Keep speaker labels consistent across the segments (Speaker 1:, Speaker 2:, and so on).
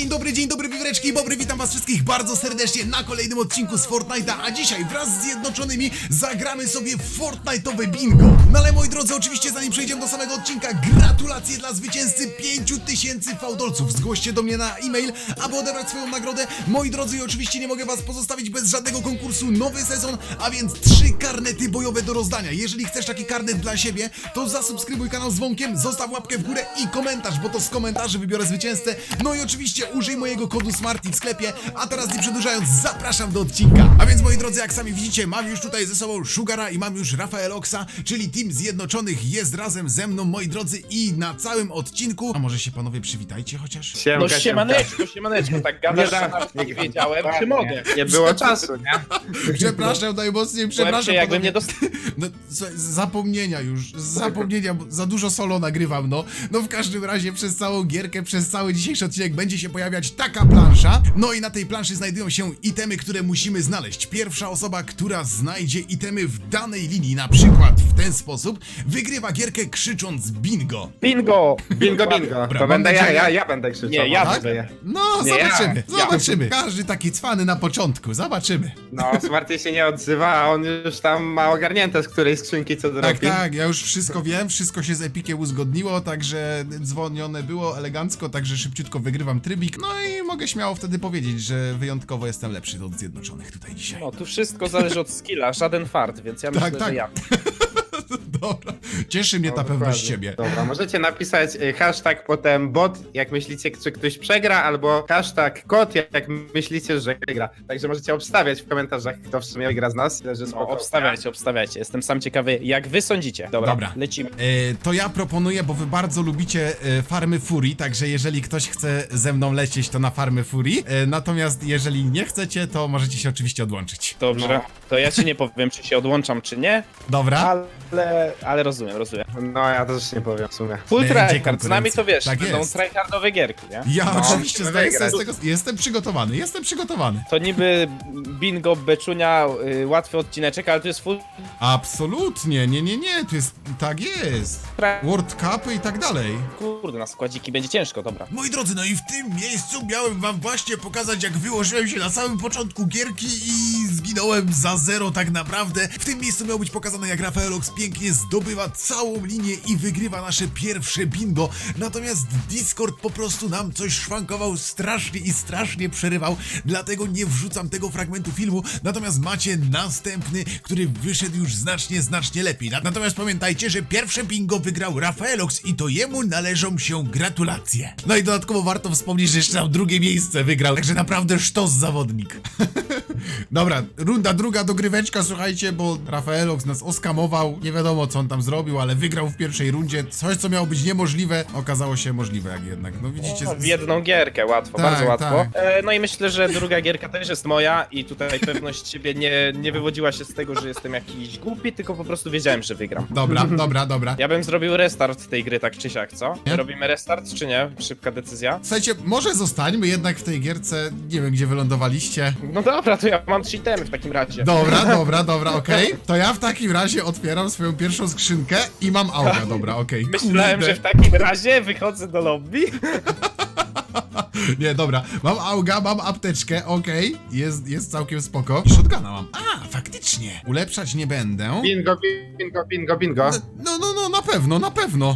Speaker 1: dzień dobry wiwreczki i bobry, witam was wszystkich bardzo serdecznie na kolejnym odcinku z Fortnite'a, a dzisiaj wraz z Zjednoczonymi zagramy sobie w Fortnite'owe bingo. No ale moi drodzy, oczywiście zanim przejdziemy do samego odcinka, gratulacje dla zwycięzcy 5000 fałdolców. Zgłoście do mnie na e-mail, aby odebrać swoją nagrodę. Moi drodzy, i oczywiście nie mogę was pozostawić bez żadnego konkursu, nowy sezon, a więc 3 karnety bojowe do rozdania. Jeżeli chcesz taki karnet dla siebie, to zasubskrybuj kanał z dzwonkiem, zostaw łapkę w górę i komentarz, bo to z komentarzy wybiorę zwycięzcę. No i oczywiście użyj mojego kodu SMARTY w sklepie, a teraz nie przedłużając, zapraszam do odcinka. A więc moi drodzy, jak sami widzicie, mam już tutaj ze sobą Sugara i mam już Rafaeloxa, czyli Team Zjednoczonych jest razem ze mną, moi drodzy, i na całym odcinku... A może się panowie przywitajcie chociaż?
Speaker 2: No siemaneczko, tak gadasz, nie wiedziałem, czy mogę.
Speaker 3: Nie było czasu, nie?
Speaker 1: Przepraszam najmocniej, przepraszam.
Speaker 3: Jakbym nie
Speaker 1: No, zapomnienia, bo za dużo solo nagrywam, no. No w każdym razie przez całą gierkę, przez cały dzisiejszy odcinek będzie się pojawiać taka plansza. No i na tej planszy znajdują się itemy, które musimy znaleźć. Pierwsza osoba, która znajdzie itemy w danej linii, na przykład w ten sposób, wygrywa gierkę krzycząc bingo.
Speaker 3: Bingo!
Speaker 2: Bingo.
Speaker 1: Dobra,
Speaker 2: To
Speaker 1: mam
Speaker 2: będę
Speaker 1: nadzieję-
Speaker 2: ja będę krzyczał.
Speaker 3: Nie, ja
Speaker 1: Tak?
Speaker 3: będę.
Speaker 1: No,
Speaker 3: Nie,
Speaker 1: zobaczymy,
Speaker 3: ja.
Speaker 1: zobaczymy. Każdy taki cwany na początku, zobaczymy.
Speaker 2: No, Smarty się nie odzywa, a on już tam ma ogarnięte z której skrzynki co
Speaker 1: Tak,
Speaker 2: zrobi.
Speaker 1: tak, ja już wszystko wiem, wszystko się z Epikiem uzgodniło, także dzwonione było elegancko, także szybciutko wygrywam trybik, no i mogę śmiało wtedy powiedzieć, że wyjątkowo jestem lepszy od Zjednoczonych tutaj dzisiaj.
Speaker 3: No, tu wszystko zależy od skilla, żaden fart, więc ja myślę,
Speaker 1: tak.
Speaker 3: że ja.
Speaker 1: Dobra, cieszy mnie ta pewność siebie.
Speaker 2: Dobra, możecie napisać hashtag potem bot, jak myślicie, czy ktoś przegra, albo hashtag kot, jak myślicie, że wygra. Także możecie obstawiać w komentarzach, kto w sumie wygra z nas. Tyle, że
Speaker 3: No,
Speaker 2: spoko.
Speaker 3: obstawiajcie. Jestem sam ciekawy, jak wy sądzicie. Dobra. Lecimy.
Speaker 1: To ja proponuję, bo wy bardzo lubicie farmy Furii, także jeżeli ktoś chce ze mną lecieć, to na farmy Furii, natomiast jeżeli nie chcecie, to możecie się oczywiście odłączyć.
Speaker 3: Dobrze, to ja ci nie powiem, czy się odłączam, czy nie,
Speaker 1: Dobra?
Speaker 3: ale rozumiem.
Speaker 2: No, ja też nie powiem w sumie.
Speaker 3: Full
Speaker 1: Będzie
Speaker 3: tryhard, z nami
Speaker 1: konkurencja.
Speaker 3: to wiesz,
Speaker 1: Tak
Speaker 3: będą
Speaker 1: jest.
Speaker 3: tryhardowe gierki, nie?
Speaker 1: Ja
Speaker 2: No,
Speaker 1: oczywiście
Speaker 2: musimy
Speaker 1: zdaję sobie z
Speaker 2: wygrać.
Speaker 1: tego, jestem przygotowany.
Speaker 3: To niby bingo, beczunia, łatwy odcineczek, ale to jest full
Speaker 1: Absolutnie, nie, to jest, tak jest. World Cupy i tak dalej.
Speaker 3: Kurde, na składziki będzie ciężko, dobra.
Speaker 1: Moi drodzy, no i w tym miejscu miałem wam właśnie pokazać, jak wyłożyłem się na samym początku gierki i zginąłem za 0 tak naprawdę. W tym miejscu miało być pokazane, jak Rafaelox pięknie zdobywa całą linię i wygrywa nasze pierwsze bingo. Natomiast Discord po prostu nam coś szwankował strasznie i strasznie przerywał, dlatego nie wrzucam tego fragmentu filmu. Natomiast macie następny, który wyszedł już znacznie lepiej. Natomiast pamiętajcie, że pierwsze bingo wygrał Rafaelox i to jemu należą się gratulacje. No i dodatkowo warto wspomnieć, że jeszcze tam drugie miejsce wygrał, także naprawdę sztos zawodnik. Dobra, runda druga, dogryweczka, słuchajcie, bo Rafaelox nas oskamował, nie wiadomo co on tam zrobił, ale wygrał w pierwszej rundzie. Coś, co miało być niemożliwe, okazało się możliwe jak jednak. No widzicie...
Speaker 3: W jedną gierkę, łatwo,
Speaker 1: Tak,
Speaker 3: bardzo łatwo.
Speaker 1: tak.
Speaker 3: No i myślę, że druga gierka też jest moja i tutaj pewność siebie nie wywodziła się z tego, że jestem jakiś głupi, tylko po prostu wiedziałem, że wygram.
Speaker 1: Dobra.
Speaker 3: Ja bym zrobił restart tej gry tak czy siak, co?
Speaker 1: Nie?
Speaker 3: Robimy restart czy nie? Szybka decyzja.
Speaker 1: Słuchajcie, może zostańmy jednak w tej gierce, nie wiem gdzie wylądowaliście.
Speaker 3: No dobra, to ja mam 3 itemy w takim razie.
Speaker 1: Dobra, okej. To ja w takim razie otwieram swoją pierwszą skrzynkę i mam auga, dobra, okej.
Speaker 3: Myślałem,
Speaker 1: Kurde.
Speaker 3: że w takim razie wychodzę do lobby.
Speaker 1: Nie, dobra, mam auga, mam apteczkę, okej, jest całkiem spoko. Shotguna mam. A, faktycznie. Ulepszać nie będę.
Speaker 2: Bingo.
Speaker 1: No, na pewno.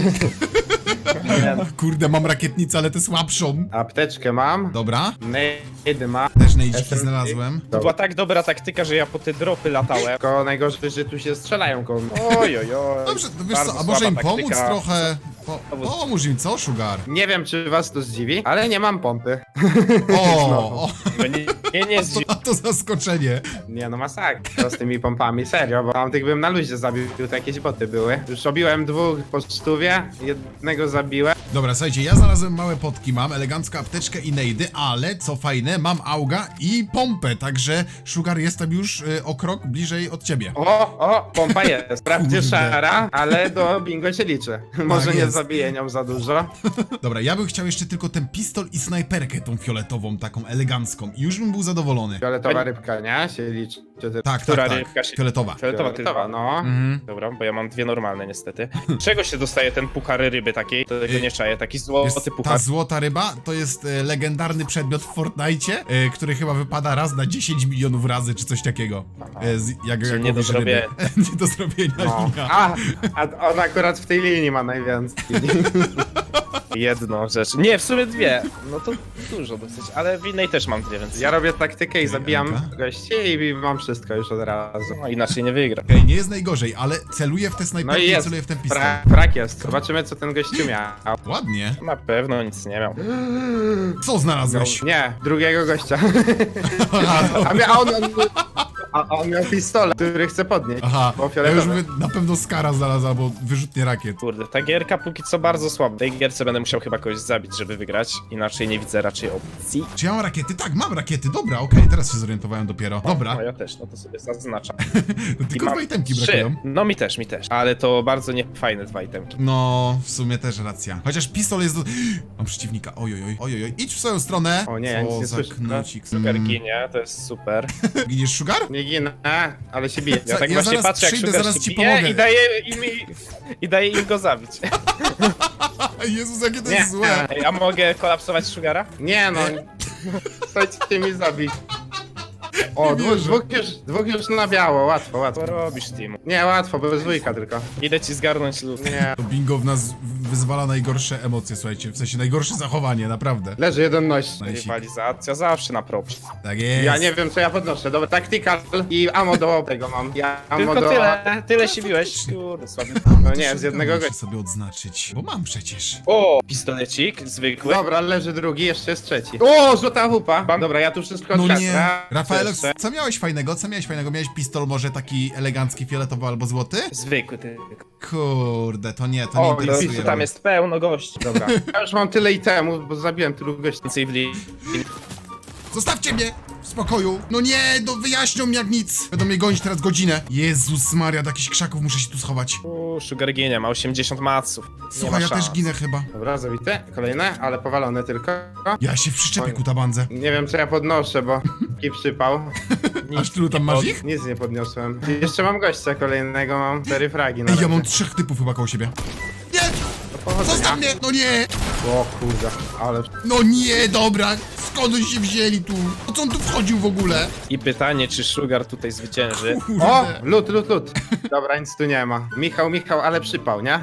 Speaker 1: Kurde, mam rakietnicę, ale tę słabszą.
Speaker 2: Apteczkę mam.
Speaker 1: Dobra,
Speaker 2: Nade mam.
Speaker 1: też nejdziki
Speaker 2: SMG.
Speaker 1: znalazłem.
Speaker 3: To była tak dobra taktyka, że ja po te dropy latałem.
Speaker 2: Tylko najgorsze, że tu się strzelają koło mnie.
Speaker 3: Oj.
Speaker 1: Dobrze, to wiesz
Speaker 3: Bardzo
Speaker 1: co, a może
Speaker 3: słaba
Speaker 1: im pomóc
Speaker 3: taktyka.
Speaker 1: trochę? Pomóż im, co, Sugar?
Speaker 2: Nie wiem, czy was to zdziwi, ale nie mam pompy.
Speaker 1: O,
Speaker 3: Nie zdziw.
Speaker 1: a to zaskoczenie.
Speaker 2: Nie no, masakra z tymi pompami, serio, bo tamtych bym na luzie zabił, to jakieś boty były. Już robiłem 2 po 100, jednego zabiłem.
Speaker 1: Dobra, słuchajcie, ja znalazłem małe potki, mam elegancką apteczkę i nejdy, ale co fajne, mam auga i pompę, także Sugar jestem już o krok bliżej od ciebie.
Speaker 2: O, pompa jest. Wprawdzie
Speaker 1: Kurde.
Speaker 2: szara, ale do bingo się liczy. Może nie
Speaker 1: jest.
Speaker 2: zabiję nią za dużo.
Speaker 1: Dobra, ja bym chciał jeszcze tylko ten pistol i snajperkę, tą fioletową, taką elegancką i już bym był zadowolony.
Speaker 2: Fioletowa rybka, nie? Się liczy. Czy ty...
Speaker 1: Tak,
Speaker 3: Która
Speaker 1: tak,
Speaker 3: rybka
Speaker 1: tak.
Speaker 3: się-
Speaker 1: Fioletowa.
Speaker 3: Fioletowa tylko.
Speaker 2: Fioletowa, no.
Speaker 1: Mhm.
Speaker 3: Dobra, bo ja mam dwie normalne niestety. Czego się dostaje ten puchar ryby takiej? To tego nie czaję, taki
Speaker 1: Jest,
Speaker 3: złoty
Speaker 1: ta
Speaker 3: puchar.
Speaker 1: złota ryba to jest legendarny przedmiot w Fortnite, który chyba wypada raz na 10 milionów razy, czy coś takiego. Jak
Speaker 3: Czyli nie do
Speaker 1: łowisz ryby.
Speaker 3: zrobienia.
Speaker 1: Nie do zrobienia
Speaker 2: No.
Speaker 1: linia.
Speaker 2: A on akurat w tej linii ma najwięcej.
Speaker 3: Jedną rzecz. Nie, w sumie dwie. No to dużo dosyć, ale w innej też mam dwie, więc
Speaker 2: Ja robię taktykę i zabijam
Speaker 1: Janka?
Speaker 2: gości i mam wszystko już od razu.
Speaker 3: no, inaczej nie wygra.
Speaker 1: Okej, nie jest najgorzej, ale celuję w te
Speaker 2: No
Speaker 1: snajperki
Speaker 2: i
Speaker 1: i
Speaker 2: jest.
Speaker 1: celuję w ten pistol.
Speaker 2: Frak jest. Zobaczymy, co ten gościu miał.
Speaker 1: Ładnie.
Speaker 3: Na pewno nic nie miał.
Speaker 1: Co znalazłeś?
Speaker 2: Nie, drugiego gościa.
Speaker 1: Aha,
Speaker 2: A on miał pistolet, który chce podnieść.
Speaker 1: aha.
Speaker 2: Bo
Speaker 1: Ja już
Speaker 2: fioletowy.
Speaker 1: mówię, na pewno Skara znalazł, albo wyrzutnie rakiet.
Speaker 3: Kurde, ta gierka póki co bardzo słaba. W tej gierce będę musiał chyba kogoś zabić, żeby wygrać. Inaczej nie widzę raczej opcji.
Speaker 1: Czy ja mam rakiety? Tak, mam rakiety, dobra, okej, teraz się zorientowałem dopiero. Dobra,
Speaker 3: No ja też, no to sobie zaznaczam.
Speaker 1: tylko
Speaker 3: mam
Speaker 1: dwa itemki
Speaker 3: trzy.
Speaker 1: brakują.
Speaker 3: No mi też. Ale to bardzo niefajne dwa itemki.
Speaker 1: No, w sumie też racja. Chociaż pistol jest do... Mam przeciwnika, ojojoj. Idź w swoją stronę.
Speaker 2: O nie, ja nic
Speaker 1: Co
Speaker 2: nie
Speaker 1: za
Speaker 2: słyszę.
Speaker 1: knocik.
Speaker 3: Sugar ginie, to jest super.
Speaker 1: Giniesz Sugar?
Speaker 2: Nie ginę, ale się bije.
Speaker 3: Ja tak
Speaker 1: Ja
Speaker 3: właśnie
Speaker 1: zaraz
Speaker 3: patrzę, jak
Speaker 1: przyjdę,
Speaker 3: Sugar
Speaker 1: zaraz
Speaker 3: się
Speaker 1: ci
Speaker 3: bije
Speaker 1: pomogę.
Speaker 3: i daje im go zabić.
Speaker 1: Jezus, jakie to
Speaker 2: Nie.
Speaker 1: jest złe.
Speaker 3: Ej, a mogę kolapsować Sugara?
Speaker 2: Nie no, chcecie mi zabić. O,
Speaker 1: Nie wierzę.
Speaker 2: dwóch już na biało, łatwo.
Speaker 3: Co robisz, Timu?
Speaker 2: Nie, łatwo, bez dwójka tylko.
Speaker 3: Idę ci zgarnąć lód.
Speaker 2: Nie.
Speaker 1: To bingo w nas wyzwala najgorsze emocje, słuchajcie, w sensie najgorsze zachowanie, naprawdę.
Speaker 2: Leży jeden noś.
Speaker 1: Najsik.
Speaker 3: Rywalizacja zawsze na propsie.
Speaker 1: Tak jest.
Speaker 2: Ja nie wiem, co ja podnoszę. Dobra, tactical i ammo do tego mam. Ja ammo
Speaker 3: Tylko
Speaker 2: do...
Speaker 3: tyle się biłeś. Kurde, słaby.
Speaker 2: No
Speaker 1: To
Speaker 2: nie,
Speaker 1: shotguna
Speaker 2: z jednego
Speaker 1: muszę
Speaker 2: gościa.
Speaker 1: sobie odznaczyć, bo mam przecież.
Speaker 3: O, pistolecik zwykły.
Speaker 2: Dobra, leży drugi, jeszcze jest trzeci. O, złota hupa. Dobra, ja tu wszystko
Speaker 1: No
Speaker 2: odkradnę.
Speaker 1: nie. Rafael,
Speaker 2: Jeszcze.
Speaker 1: co miałeś fajnego? Miałeś pistol może taki elegancki, fioletowy albo złoty?
Speaker 3: Zwykły ty.
Speaker 1: Kurde, to nie
Speaker 2: O,
Speaker 1: interesuje.
Speaker 3: Tu tam jest pełno gości.
Speaker 2: Dobra. Ja już mam tyle itemów, bo zabiłem tylu gości.
Speaker 3: Więcej w li...
Speaker 1: Zostawcie mnie w spokoju. No nie, no wyjaśnią mi jak nic. Będą mnie gonić teraz godzinę. Jezus Maria, do jakichś krzaków muszę się tu schować.
Speaker 3: Sugar ginie, ma 80 maców. Nie
Speaker 1: Słuchaj,
Speaker 3: ma
Speaker 1: ja
Speaker 3: szans.
Speaker 1: też ginę chyba.
Speaker 2: Dobra, zabite. Kolejne, ale powalone tylko.
Speaker 1: Ja się przyczepię
Speaker 2: Oj.
Speaker 1: ku tabandze.
Speaker 2: Nie wiem, co ja podnoszę, bo taki przypał.
Speaker 1: Aż tylu tam masz ich?
Speaker 2: Nic nie podniosłem. Jeszcze mam gościa kolejnego, mam 4 fragi na
Speaker 1: Ej, ja
Speaker 2: razie.
Speaker 1: mam 3 typów chyba koło siebie. Nie!
Speaker 2: Do powodzenia.
Speaker 1: Zostaw mnie! No nie!
Speaker 2: O kurde, ale...
Speaker 1: No nie, dobra! Skąd oni się wzięli tu? Po co on tu wchodził w ogóle?
Speaker 3: I pytanie, czy Sugar tutaj zwycięży?
Speaker 2: O!
Speaker 1: Kurde.
Speaker 2: Lód. Dobra, nic tu nie ma. Michał, ale przypał, nie?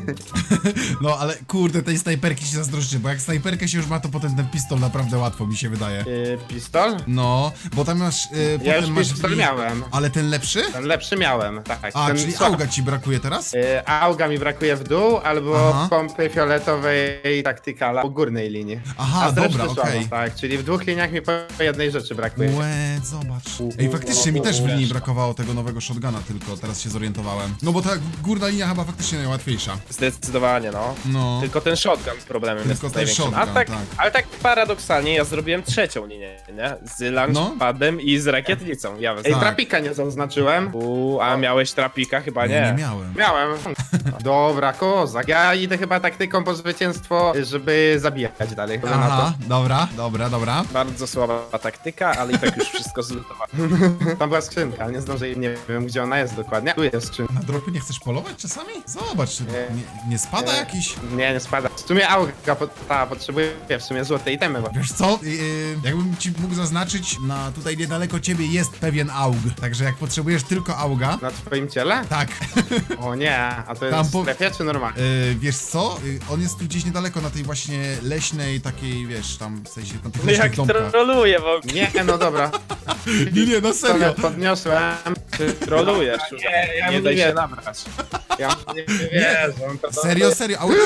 Speaker 1: No ale kurde, tej snajperki się zazdroszczę, bo jak snajperkę się już ma, to potem ten pistol naprawdę łatwo mi się wydaje.
Speaker 2: Pistol?
Speaker 1: No, bo tam masz...
Speaker 2: Ja
Speaker 1: potem
Speaker 2: już
Speaker 1: masz
Speaker 2: pistol miałem.
Speaker 1: Ale ten lepszy?
Speaker 2: Ten lepszy miałem, tak.
Speaker 1: A,
Speaker 2: ten
Speaker 1: czyli
Speaker 2: słab-
Speaker 1: auga ci brakuje teraz?
Speaker 2: Auga mi brakuje w dół, albo
Speaker 1: Aha.
Speaker 2: pompy fioletowej taktykala po górnej linii.
Speaker 1: Aha,
Speaker 2: A z reszty
Speaker 1: dobra,
Speaker 2: słabo,
Speaker 1: okej.
Speaker 2: Tak, czyli w dwóch liniach mi po jednej rzeczy brakuje.
Speaker 1: Łe, zobacz. Ej, faktycznie mi też w linii brakowało tego nowego shotguna, tylko teraz się zorientowałem. No bo ta górna linia chyba faktycznie najłatwiejsza.
Speaker 3: Zdecydowanie, no.
Speaker 1: No.
Speaker 3: Tylko ten shotgun problemem
Speaker 1: Tylko
Speaker 3: jest
Speaker 1: ten
Speaker 3: największym.
Speaker 1: shotgun, tak.
Speaker 3: Ale tak paradoksalnie ja zrobiłem trzecią linię, nie? Z launchpadem i z rakietnicą. Ja
Speaker 2: Ej,
Speaker 1: Tak.
Speaker 2: trapika nie zaznaczyłem.
Speaker 3: A miałeś trapika? Chyba
Speaker 1: Nie, nie
Speaker 3: nie.
Speaker 1: miałem.
Speaker 2: Miałem. Dobra, kozak. Ja idę chyba taktyką po zwycięstwo, żeby zabijać dalej.
Speaker 1: Aha, dobra.
Speaker 3: Bardzo słaba taktyka, ale i tak już wszystko zlutowałem.
Speaker 2: Tam była skrzynka, nie zdążyłem, nie wiem gdzie ona jest dokładnie. Tu jest skrzynka.
Speaker 1: Na dropy nie chcesz polować czasami? Zobacz, czy nie spada
Speaker 2: Nie.
Speaker 1: jakiś?
Speaker 2: Nie spada. W sumie auga potrzebuje w sumie złotej itemy. Bo...
Speaker 1: Wiesz co? Jakbym ci mógł zaznaczyć, tutaj niedaleko ciebie jest pewien aug. Także jak potrzebujesz tylko auga,
Speaker 2: Na twoim ciele?
Speaker 1: tak.
Speaker 2: O nie, a to
Speaker 1: Tam
Speaker 2: jest
Speaker 1: po-
Speaker 2: w strefie czy normalnie?
Speaker 1: Wiesz co? On jest tu gdzieś niedaleko na tej właśnie leśnej takiej, wiesz, tam w sensie na tych
Speaker 3: No jak
Speaker 1: leśnych domkach.
Speaker 3: troluje w ogóle.
Speaker 2: Nie, no dobra.
Speaker 1: Nie, no serio.
Speaker 2: Pistolet podniosłem.
Speaker 3: Trolujesz.
Speaker 2: ja
Speaker 3: Nie
Speaker 2: mu
Speaker 3: daj
Speaker 2: nie
Speaker 3: się
Speaker 2: wiem.
Speaker 3: nabrać.
Speaker 2: Ja nie wierzę.
Speaker 1: Serio, auga?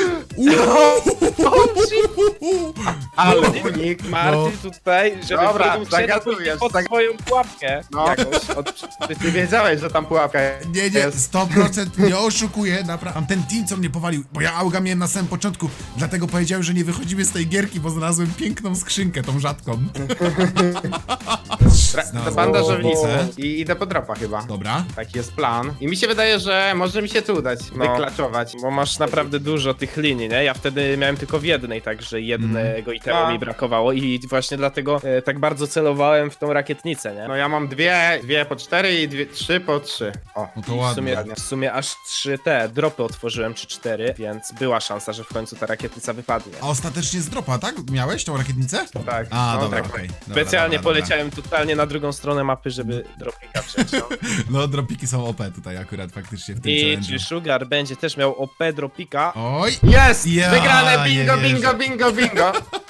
Speaker 2: Ale unik.
Speaker 3: Marty tutaj, żeby
Speaker 2: Dobra,
Speaker 3: wrócił się
Speaker 2: zagadujesz,
Speaker 3: pod swoją pułapkę.
Speaker 2: No.
Speaker 3: Jakąś od...
Speaker 2: Ty wiedziałeś, że tam pułapka
Speaker 1: Nie,
Speaker 2: jest.
Speaker 1: 100% nie oszukuję, naprawdę. Mam ten team, co mnie powalił, bo ja auga miałem na samym początku, dlatego powiedziałem, że nie wychodzimy z tej gierki, bo znalazłem piękną skrzynkę, tą rzadką.
Speaker 2: To
Speaker 1: Znalazłem
Speaker 2: bandażownicę
Speaker 1: owocę.
Speaker 2: i idę po dropa chyba.
Speaker 1: Dobra.
Speaker 2: Taki jest plan. I mi się wydaje, że może mi się tu może udać,
Speaker 3: No.
Speaker 2: wyklaczować.
Speaker 3: Bo masz naprawdę dużo tych linii, nie? Ja wtedy miałem tylko w jednej, także jednego itemu
Speaker 2: No.
Speaker 3: mi brakowało i właśnie dlatego tak bardzo celowałem w tą rakietnicę, nie?
Speaker 2: No ja mam dwie po 4 i trzy po 3. O.
Speaker 1: No to
Speaker 3: I
Speaker 1: ładnie.
Speaker 3: w sumie aż 3 te dropy otworzyłem, czy 4, więc była szansa, że w końcu ta rakietnica wypadnie.
Speaker 1: A ostatecznie z dropa, tak? Miałeś tą rakietnicę?
Speaker 2: Tak.
Speaker 1: A,
Speaker 2: no,
Speaker 1: dobra,
Speaker 2: tak.
Speaker 1: okej. Dobra,
Speaker 3: Specjalnie
Speaker 1: dobra, dobra.
Speaker 3: poleciałem totalnie na drugą stronę mapy, żeby dropika wziąć. No.
Speaker 1: No, dropiki są OP tutaj akurat faktycznie w tym
Speaker 3: I
Speaker 1: challenge'u.
Speaker 3: czy Sugar będzie też miał OP dropika?
Speaker 1: Oj!
Speaker 2: Jest!
Speaker 1: Ja
Speaker 2: Wygrane!
Speaker 1: nie
Speaker 2: Bingo,
Speaker 1: wierzę.
Speaker 2: bingo, bingo, bingo!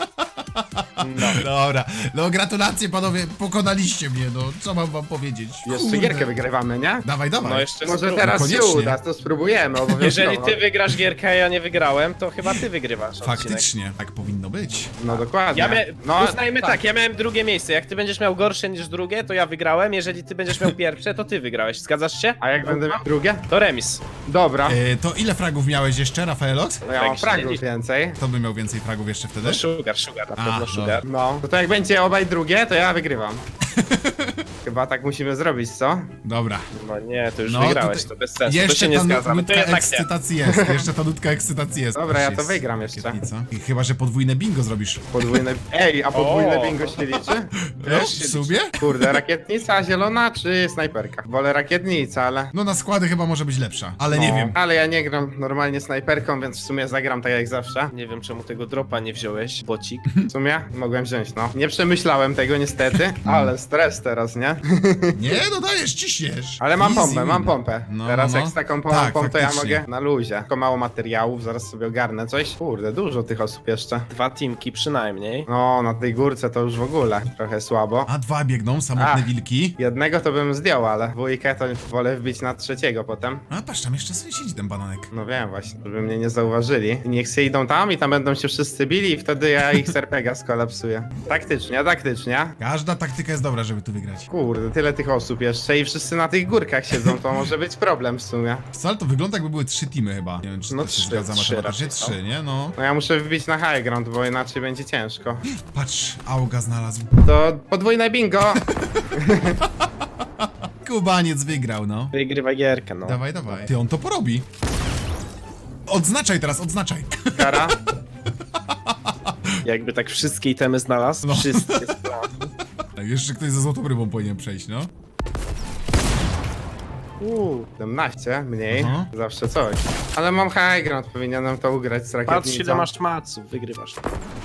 Speaker 3: No.
Speaker 1: Dobra, no gratulacje panowie, pokonaliście mnie, no co mam wam powiedzieć?
Speaker 2: Jeszcze
Speaker 1: Kurde.
Speaker 2: gierkę wygrywamy, nie?
Speaker 1: Dawaj, dawaj.
Speaker 3: No jeszcze
Speaker 2: Może
Speaker 3: spróbuj.
Speaker 2: teraz się
Speaker 1: Koniecznie.
Speaker 2: uda, to spróbujemy obowiązkowo.
Speaker 3: Jeżeli ty wygrasz gierkę, a ja nie wygrałem, to chyba ty wygrywasz odcinek.
Speaker 1: Faktycznie, tak powinno być.
Speaker 2: No dokładnie.
Speaker 3: Uznajmy tak, ja miałem drugie miejsce. Jak ty będziesz miał gorsze niż drugie, to ja wygrałem. Jeżeli ty będziesz miał pierwsze, to ty wygrałeś. Zgadzasz się?
Speaker 2: A jak będę miał drugie?
Speaker 3: To remis.
Speaker 2: Dobra.
Speaker 1: To ile fragów miałeś jeszcze, Rafaelox?
Speaker 2: No ja mam
Speaker 3: tak się
Speaker 2: fragów
Speaker 3: liczy.
Speaker 2: więcej.
Speaker 1: To by miał więcej fragów jeszcze wtedy?
Speaker 3: No sugar, na
Speaker 1: A,
Speaker 3: pewno
Speaker 1: no.
Speaker 3: sugar.
Speaker 2: No. To jak będzie obaj drugie, to ja wygrywam. Chyba tak musimy zrobić, co?
Speaker 1: Dobra.
Speaker 3: No nie, to już
Speaker 1: No,
Speaker 3: wygrałeś,
Speaker 1: tutaj
Speaker 3: to bez sensu. To
Speaker 1: Jeszcze
Speaker 3: się nie
Speaker 1: ta
Speaker 3: zgadzam. To
Speaker 1: nutka
Speaker 3: jednak nie.
Speaker 1: ekscytacji jest, jeszcze ta nutka ekscytacji jest.
Speaker 2: Dobra, ja
Speaker 1: Też
Speaker 2: to
Speaker 1: jest
Speaker 2: wygram jeszcze.
Speaker 1: rakietnica. I chyba, że podwójne bingo zrobisz.
Speaker 2: Podwójne... Ej, a podwójne
Speaker 3: O.
Speaker 2: bingo się liczy?
Speaker 1: No, w sumie?
Speaker 2: Kurde, rakietnica zielona czy snajperka? Wolę rakietnica, ale...
Speaker 1: No na składy chyba może być lepsza, ale nie
Speaker 2: No,
Speaker 1: wiem.
Speaker 2: Ale ja nie gram normalnie snajperką, więc w sumie zagram tak jak zawsze.
Speaker 3: Nie wiem, czemu tego dropa nie wziąłeś, bocik.
Speaker 2: W sumie mogłem wziąć, no. Nie przemyślałem tego niestety, ale stres teraz, nie?
Speaker 1: Nie, no dajesz, ciśniesz.
Speaker 2: Ale mam
Speaker 1: Easy
Speaker 2: pompę,
Speaker 1: win.
Speaker 2: mam pompę.
Speaker 1: No,
Speaker 2: Teraz
Speaker 1: no.
Speaker 2: jak z taką
Speaker 1: Tak,
Speaker 2: pompą, to ja
Speaker 1: faktycznie.
Speaker 2: mogę na luzie. Tylko mało materiałów, zaraz sobie ogarnę coś. Kurde, dużo tych osób jeszcze.
Speaker 3: 2 teamki przynajmniej.
Speaker 2: No, na tej górce to już w ogóle trochę słabo.
Speaker 1: A dwa biegną, samotne
Speaker 2: Ach.
Speaker 1: wilki.
Speaker 2: Jednego to bym zdjął, ale dwójkę to wolę wbić na trzeciego potem.
Speaker 1: A patrz, tam jeszcze sobie siedzi ten bananek.
Speaker 2: No wiem właśnie, żeby mnie nie zauważyli. I niech się idą tam i tam będą się wszyscy bili i wtedy ja ich z RPGa skolapsuję. Taktycznie, taktycznie.
Speaker 1: Każda taktyka jest dobra, żeby tu wygrać.
Speaker 2: Kurde, tyle tych osób jeszcze i wszyscy na tych górkach siedzą, to może być problem w sumie.
Speaker 1: Wcale to wygląda, jakby były 3 teamy chyba. Nie wiem, czy
Speaker 3: No
Speaker 1: to się
Speaker 3: trzy,
Speaker 1: zgadza
Speaker 3: trzy
Speaker 1: matematycznie.
Speaker 3: raczej są.
Speaker 1: 3, nie? No.
Speaker 2: No ja muszę wbić na high ground, bo inaczej będzie ciężko.
Speaker 1: Patrz, Auga znalazł.
Speaker 2: To podwójne bingo!
Speaker 1: Kubaniec wygrał, no.
Speaker 3: Wygrywa gierkę, no.
Speaker 1: Dawaj, dawaj. Ty, on to porobi. Odznaczaj teraz, odznaczaj.
Speaker 2: Kara.
Speaker 3: Jakby tak wszystkie itemy znalazł,
Speaker 1: No.
Speaker 3: wszystkie.
Speaker 1: Tak, jeszcze ktoś ze złotą rybą powinien przejść, no.
Speaker 2: 17, mniej,
Speaker 1: Aha.
Speaker 2: zawsze coś. Ale mam high ground, powinienem to ugrać z rakietnicą.
Speaker 3: Patrz ile masz maców, wygrywasz.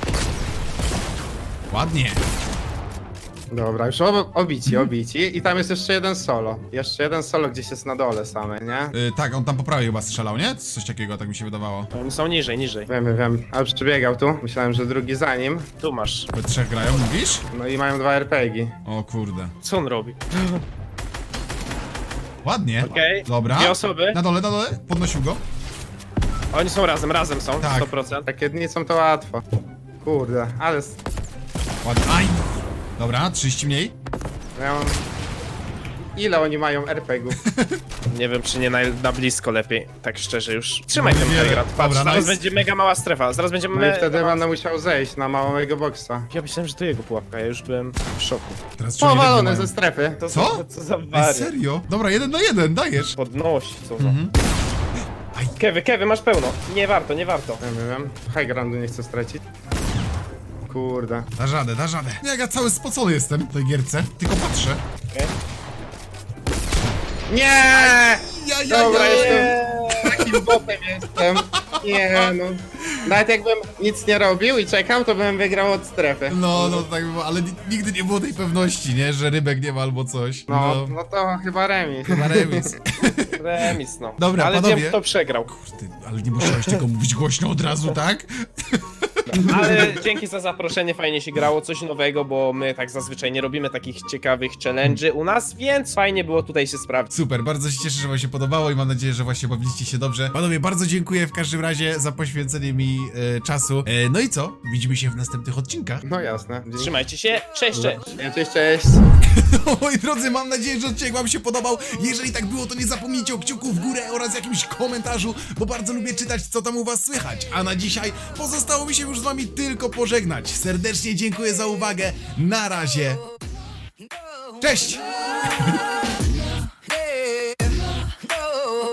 Speaker 1: Ładnie.
Speaker 2: Dobra, już obici. I tam jest jeszcze jeden solo. Jeszcze jeden solo gdzieś jest na dole same, nie?
Speaker 1: Tak, on tam po prawej chyba strzelał, nie? Coś takiego, tak mi się wydawało.
Speaker 3: Oni są niżej, niżej.
Speaker 2: Wiem. Ale przybiegał tu. Myślałem, że drugi za nim.
Speaker 3: Tu masz.
Speaker 1: We trzech grają, mówisz?
Speaker 2: No i mają 2 RPG.
Speaker 1: O kurde.
Speaker 3: Co on robi?
Speaker 1: Ładnie.
Speaker 3: Okej.
Speaker 1: Dobra.
Speaker 3: Dwie osoby.
Speaker 1: Na dole, podnosił go.
Speaker 3: Oni są razem są,
Speaker 1: Tak.
Speaker 3: 100%.
Speaker 2: Rakietnicą to łatwo. Kurde, ale...
Speaker 1: Ładnie. Aj! Dobra, 30 mniej.
Speaker 2: Ja mam... Ile oni mają RPG-ów?
Speaker 3: Nie wiem, czy nie na blisko lepiej, tak szczerze już. Trzymaj
Speaker 1: No
Speaker 3: ten
Speaker 1: niewiele.
Speaker 3: Hellgrad, patrz,
Speaker 1: Dobra,
Speaker 3: zaraz
Speaker 1: nice.
Speaker 3: będzie mega mała strefa, zaraz będziemy...
Speaker 2: No i wtedy będę musiał zejść na małego boksa.
Speaker 3: Ja myślałem, że to jego pułapka, ja już byłem w szoku.
Speaker 1: Teraz czuję, że
Speaker 2: Powalone
Speaker 1: mają.
Speaker 2: ze strefy.
Speaker 3: To
Speaker 1: Co?
Speaker 3: Co za
Speaker 1: Ej,
Speaker 3: wariat.
Speaker 1: serio? Dobra, 1 na 1, dajesz.
Speaker 3: Podnosi, co za...
Speaker 1: Mhm.
Speaker 3: Kewy, masz pełno. Nie warto.
Speaker 2: Wiem. High groundu nie chcę stracić. Kurde.
Speaker 1: Da radę, da radę. Ja cały spocony jestem w tej gierce, tylko patrzę.
Speaker 3: Okej.
Speaker 2: Nie! Dobra,
Speaker 1: ja.
Speaker 2: jestem takim botem jestem. Nie no. Nawet jakbym nic nie robił i czekał, to bym wygrał od strefy.
Speaker 1: No, tak było, ale nigdy nie było tej pewności, nie? Że rybek nie ma albo coś.
Speaker 2: No to chyba remis.
Speaker 1: Chyba remis.
Speaker 3: Remis, no.
Speaker 1: Dobra,
Speaker 3: ale
Speaker 1: panowie.
Speaker 3: wiem, kto przegrał.
Speaker 1: Kurde, ale nie musiałeś tego mówić głośno od razu, tak?
Speaker 3: Ale dzięki za zaproszenie, fajnie się grało, coś nowego, bo my tak zazwyczaj nie robimy takich ciekawych challenge'y u nas, więc fajnie było tutaj się sprawdzić.
Speaker 1: Super, bardzo się cieszę, że wam się podobało i mam nadzieję, że właśnie bawiliście się dobrze. Panowie, bardzo dziękuję w każdym razie za poświęcenie mi czasu. No i co? Widzimy się w następnych odcinkach.
Speaker 2: No jasne.
Speaker 3: Trzymajcie się, cześć!
Speaker 2: Cześć.
Speaker 1: No, moi drodzy, mam nadzieję, że odcinek wam się podobał. Jeżeli tak było, to nie zapomnijcie o kciuku w górę oraz jakimś komentarzu, bo bardzo lubię czytać, co tam u was słychać. A na dzisiaj pozostało mi się już z wami tylko pożegnać. Serdecznie dziękuję za uwagę. Na razie. Cześć!